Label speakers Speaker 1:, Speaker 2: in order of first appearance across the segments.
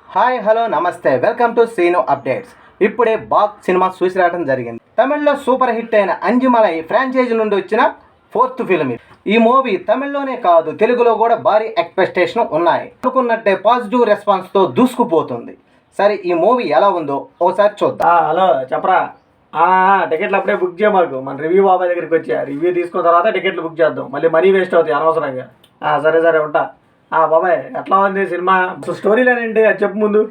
Speaker 1: Hi hello namaste welcome to Seenu updates. ఇప్పుడే బాగ్ cinema చూసి రావడం జరిగింది. తమిళ్లో సూపర్ హిట్ అయిన అంజుమలై ఫ్రాంచైజీ నుండి వచ్చిన 4th ఫిల్మ్ ఇది. ఈ మూవీ తమిళ్లోనే కాదు తెలుగులో కూడా భారీ ఎక్స్పెక్టేషన్ ఉన్నాయి. అనుకున్నట్టే పాజిటివ్ రెస్పాన్స్తో దూసుకుపోతుంది. సరే ఈ మూవీ ఎలా ఉందో ఒకసారి చూద్దాం.
Speaker 2: హలో చెప్పరా. టికెట్లు అప్పుడే బుక్ చేయమాకు. మన రివ్యూ బాబాయ్ దగ్గరికి వచ్చా, రివ్యూ తీసుకున్న తర్వాత టికెట్లు బుక్ చేద్దాం. మళ్ళీ మనీ వేస్ట్ అవుతాయి అనవసరంగా. సరే ఉంటా. బాబాయ్ ఎట్లా ఉంది సినిమా? స్టోరీ లైన్ ఏంటి అది చెప్పు ముందు.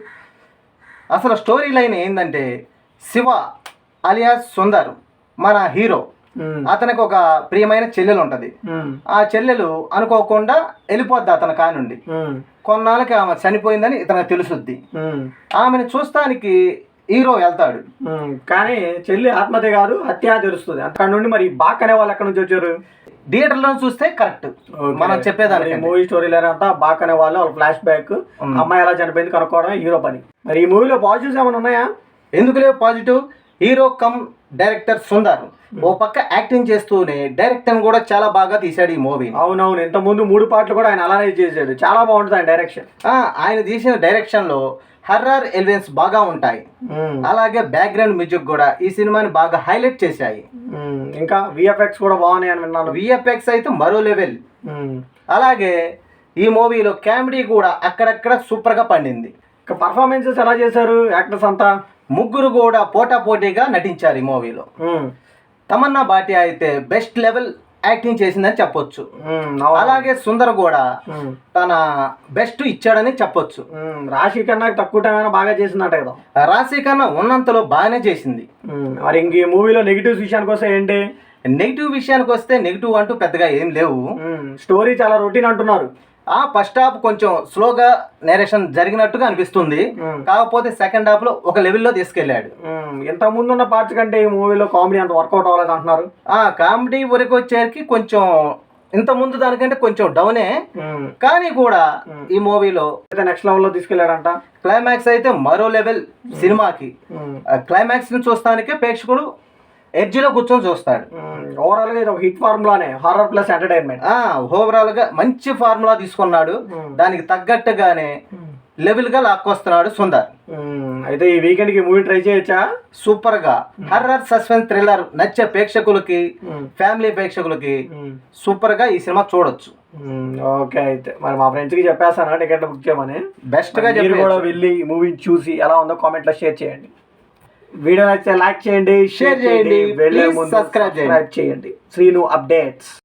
Speaker 1: అసలు స్టోరీ లైన్ ఏంటంటే, శివ అలియాస్ సుందర్ మన హీరో, అతనికి ఒక ప్రియమైన చెల్లెలు ఉంటుంది. ఆ చెల్లెలు అనుకోకుండా వెళ్ళిపోద్ది అతని కానుండి. కొన్నాళ్ళకి ఆమె చనిపోయిందని ఇతనికి తెలుసుద్ది. ఆమెను చూస్తానికి హీరో వెళ్తాడు.
Speaker 2: కానీ చెల్లి ఆత్మహత్య కాదు హత్య తెలుస్తుంది. అక్కడ నుండి మరి బాక్ అనే వాళ్ళు ఎక్కడి నుంచి వచ్చారు?
Speaker 1: థియేటర్లో చూస్తే కరెక్ట్ మనం చెప్పేదానికి.
Speaker 2: మూవీ స్టోరీ లేనంతా బాక్ అనే వాళ్ళు ఫ్లాష్ బ్యాక్, అమ్మాయి ఎలా చనిపోయింది కనుక్కోవడం హీరో పని. మరి ఈ మూవీలో పాజిటివ్స్ ఏమైనా ఉన్నాయా?
Speaker 1: ఎందుకు లేవు positive? Hero cum director Sundar ఓ పక్క యాక్టింగ్ చేస్తూనే డైరెక్టర్ కూడా చాలా బాగా తీశాడు ఈ మూవీ.
Speaker 2: అవునవును, ఇంత ముందు 3 పార్ట్లు కూడా ఆయన అలానే చేశాడు. చాలా బాగుంటుంది ఆయన డైరెక్షన్.
Speaker 1: ఆయన తీసిన డైరెక్షన్ లో హర్రర్ ఎలిమెంట్స్ బాగా ఉంటాయి. అలాగే బ్యాక్గ్రౌండ్ మ్యూజిక్ కూడా ఈ సినిమాని బాగా హైలైట్ చేశాయి.
Speaker 2: ఇంకా విఎఫ్ఎక్స్ కూడా బాగున్నాయి అని విన్నాను.
Speaker 1: విఎఫ్ఎక్స్ అయితే మరో లెవెల్. అలాగే ఈ మూవీలో కామెడీ కూడా అక్కడక్కడ సూపర్ గా పండింది.
Speaker 2: పర్ఫార్మెన్సెస్ ఎలా చేశారు యాక్టర్స్ అంతా?
Speaker 1: ముగ్గురు కూడా పోటాపోటీగా నటించారు ఈ మూవీలో. తమన్నా భాటియా అయితే బెస్ట్ లెవెల్ యాక్టింగ్ చేసిందని చెప్పొచ్చు. అలాగే సుందర్ కూడా తన బెస్ట్ ఇచ్చాడని చెప్పొచ్చు.
Speaker 2: రాశి కన్నా తక్కువ టైం అయినా బాగా చేసిందంట కదా.
Speaker 1: రాశి కన్నా ఉన్నంతలో బాగానే చేసింది.
Speaker 2: మరి ఇంక ఈ మూవీలో నెగిటివ్స్ విషయానికి వస్తే ఏంటి?
Speaker 1: నెగిటివ్ విషయానికి వస్తే నెగిటివ్ అంటూ పెద్దగా ఏం లేవు.
Speaker 2: స్టోరీ చాలా రొటీన్ అంటున్నారు.
Speaker 1: ఫస్ట్ హాఫ్ కొంచెం స్లోగా నేరేషన్ జరిగినట్టుగా అనిపిస్తుంది. కాకపోతే సెకండ్ హాఫ్ లో ఒక లెవెల్లో తీసుకెళ్లాడు.
Speaker 2: ఇంత ముందు ఉన్న పార్ట్స్ కంటే ఈ మూవీలో కామెడీ అంత వర్కౌట్ అవ్వలేదు అంటున్నారు.
Speaker 1: కామెడీ వరకు వచ్చేసరికి కొంచెం ఇంత ముందు దానికంటే కొంచెం డౌనే. కానీ కూడా ఈ మూవీలో
Speaker 2: నెక్స్ట్ లెవెల్ లో తీసుకెళ్లాడంట.
Speaker 1: క్లైమాక్స్ అయితే మరో లెవెల్ సినిమాకి. క్లైమాక్స్ ని చూస్తానికే ప్రేక్షకుడు ఎడ్జిలో కూర్చొని చూస్తాడు.
Speaker 2: ఓవరాల్ గా ఇది ఒక హిట్ ఫార్ములానే, హారర్ ప్లస్ ఎంటర్టైన్మెంట్.
Speaker 1: ఓవరాల్ గా మంచి ఫార్ములా తీసుకున్నాడు. దానికి తగ్గట్టుగానే లెవెల్ గా లాక్కొస్తున్నాడు సుందర్.
Speaker 2: అయితే ఈ వీకెండ్ కి మూవీ ట్రై చేయొచ్చా?
Speaker 1: సూపర్ గా హర్రర్ సస్పెన్స్ థ్రిల్లర్ నచ్చే ప్రేక్షకులకి, ఫ్యామిలీ ప్రేక్షకులకి సూపర్ గా ఈ సినిమా చూడొచ్చు.
Speaker 2: ఓకే, అయితే మరి మా ఫ్రెండ్స్ కి చెప్పేస్తాను టికెట్ బుక్ చేయమని.
Speaker 1: బెస్ట్ గా
Speaker 2: కూడా వెళ్ళి మూవీ చూసి ఎలా ఉందో కామెంట్ లో షేర్ చేయండి. వీడియో నచ్చితే లైక్ చేయండి, షేర్ చేయండి, సబ్స్క్రైబ్ చేయండి. శ్రీను అప్డేట్స్.